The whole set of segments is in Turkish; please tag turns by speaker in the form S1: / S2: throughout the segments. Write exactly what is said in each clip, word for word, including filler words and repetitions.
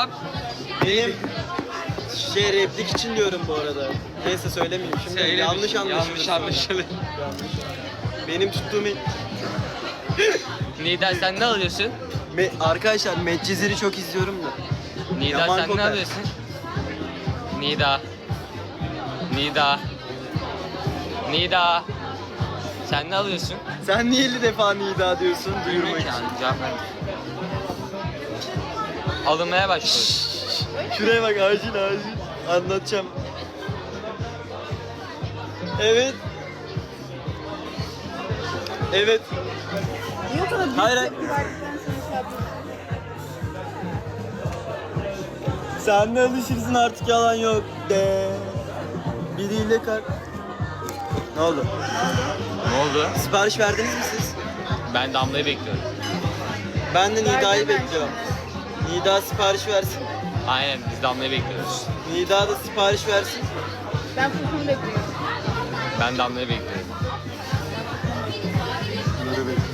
S1: Nidam.
S2: Benim şey replik için diyorum bu arada. Neyse söylemeyeyim şimdi.
S1: Söyle,
S2: yanlış anlaşılır.
S1: Yanlış
S2: sonra.
S1: anlaşılır.
S2: Benim tuttuğum
S1: Nida sen ne alıyorsun?
S2: Me arkadaşlar Medcezir'i çok izliyorum da.
S1: Nida
S2: Yaman
S1: sen
S2: kokar.
S1: ne alıyorsun? Nida. Nida. Nida. Sen ne alıyorsun?
S2: Sen niye elli defa Nida diyorsun duyurmak için?
S1: Yani cevap ver. Alınmaya başlıyoruz.
S2: Şuraya bak acil acil. Anlatacağım. Evet. Evet.
S3: Niye o kadar büyük
S2: Hayır, hayır.
S3: tepki verdikten sonra şey yapıyorsun?
S2: Sen de alışırsın artık yalan yok de. Biriyle kar. Ne oldu?
S1: Ne oldu?
S2: Sipariş verdiniz mi siz?
S1: Ben Damla'yı bekliyorum.
S2: Ben de Nida'yı
S3: Verdim ben.
S2: bekliyorum. Nida sipariş versin.
S1: Aynen biz Damla'yı bekliyoruz.
S2: Nida da sipariş versin.
S3: Ben Furkan'ı bekliyorum.
S1: Ben Damla'yı bekliyorum.
S2: Bunları bekliyorum.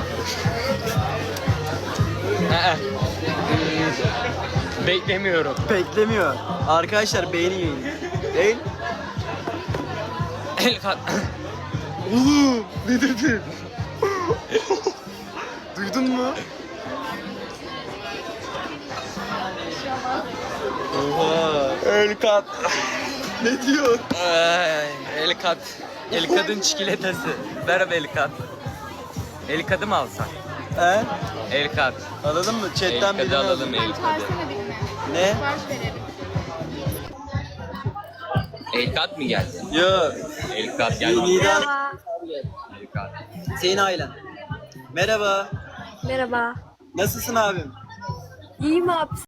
S1: Ee, Beklemiyorum.
S2: Beklemiyor. Arkadaşlar beğeni yayın. Değil?
S1: El kat.
S2: Oğlum ne dedin? Duydun mu? Oha. El kat. Ne diyor?
S1: Ay, El kat. El kadın çikolatası. Merhaba El kat. El kadı mı alsak?
S2: He?
S1: El kat.
S2: Alalım mı?
S1: El
S2: Chatten
S1: kadı
S2: birini
S1: alalım
S2: alalım.
S1: el
S3: Sen
S1: kadı.
S3: çağırsana birini.
S2: Ne?
S3: Sipariş verelim.
S1: El kat mı geldi?
S2: Yo.
S1: El kat geldi.
S2: Nida.
S1: El kat.
S2: Senin ailen. Merhaba.
S4: Merhaba.
S2: Nasılsın abim?
S4: İyiyim abi.